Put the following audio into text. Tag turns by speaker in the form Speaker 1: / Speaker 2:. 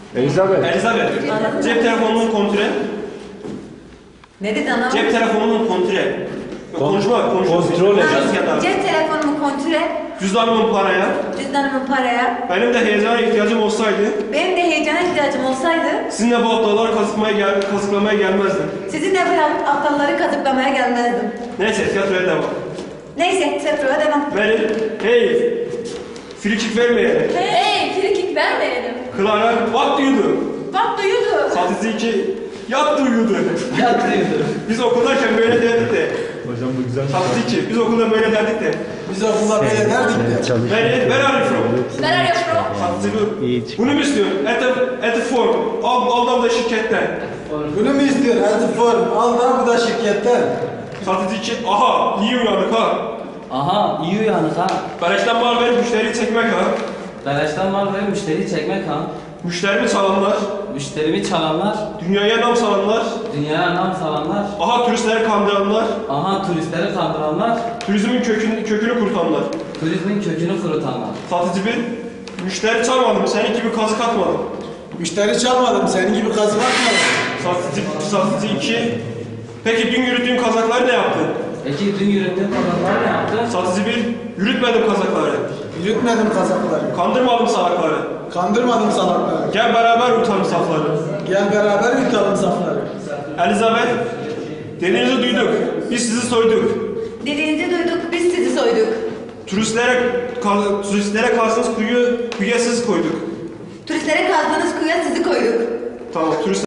Speaker 1: Elizabeth.
Speaker 2: Elizabeth. Cep telefonunun kontrol.
Speaker 3: Ne dedi ana?
Speaker 2: Cep telefonunun kontrol. Konuşma.
Speaker 1: Kontrol et.
Speaker 3: Cep telefonumu kontrol et.
Speaker 2: Cüzdanımın paraya.
Speaker 3: Cüzdanımı paraya.
Speaker 2: Benim de heyecana ihtiyacım olsaydı.
Speaker 3: Benim de heyecana ihtiyacım olsaydı.
Speaker 2: Sizinle bu aptalları kazıklamaya gelmezdim.
Speaker 3: Sizinle bu aptalları kazıklamaya gelmezdim.
Speaker 2: Neyse tiyatroya devam.
Speaker 3: Neyse tiyatroya devam.
Speaker 2: Verin. Hey. Frikik vermeyelim.
Speaker 3: Hey frikik vermeyelim.
Speaker 2: Clara what do you do?
Speaker 3: What do you do?
Speaker 2: Satıcı 2 yat do you do?
Speaker 4: Yat diyordu.
Speaker 2: Biz okuldayken böyle derdik de.
Speaker 1: Hocam bu güzel.
Speaker 2: Satıcı 2 biz okulda böyle derdik de.
Speaker 4: Biz okulda böyle derdik de.
Speaker 2: Where are you from?
Speaker 3: Where are you from?
Speaker 2: Satıcı bu. Bunu mu istiyorsun? At the form. Al da şirketten.
Speaker 4: Bunu mu istiyorsun? Hadi form. Al da bu da şirketten.
Speaker 2: Satıcı 2 aha iyi uyandık ha.
Speaker 5: Aha iyi uyanık ha.
Speaker 2: Beleşten mal verip müşteriyi çekmek ha.
Speaker 5: Beleşten mal verip müşteriyi çekmek ha.
Speaker 2: Müşterimi çalanlar.
Speaker 5: Müşterimi çalanlar,
Speaker 2: Dünyaya nam salanlar.
Speaker 5: dünyaya nam salanlar,
Speaker 2: Aha turistleri kandıranlar.
Speaker 5: aha turistleri kandıranlar,
Speaker 2: Turizmin kökünü kurutanlar.
Speaker 5: turizmin kökünü kurutanlar.
Speaker 2: Satıcı 1 müşteri çalmadım senin gibi kazık atmadım.
Speaker 4: Müşteri çalmadım. Senin gibi kazık atmadım.
Speaker 2: Satıcı 2 peki dün yürüttüğüm kazakları ne yaptın?
Speaker 5: Peki dün yürüttüğün kazaklar ne yaptı?
Speaker 2: Satıcı 1 yürütmedim kazakları.
Speaker 4: Yürütmedim kazakları.
Speaker 2: Kandırmadım salakları.
Speaker 4: Kandırmadım salakları.
Speaker 2: Gel beraber yutalım safları.
Speaker 4: Gel beraber yutalım safları.
Speaker 2: Elizabeth dediğinizi duyduk. Biz sizi soyduk.
Speaker 3: Dediğinizi duyduk, biz sizi soyduk.
Speaker 2: Turistlere kazdığınız kuyuya siz koyduk.
Speaker 3: Turistlere kazdığınız kuyuya sizi koyduk.
Speaker 2: Tamam turist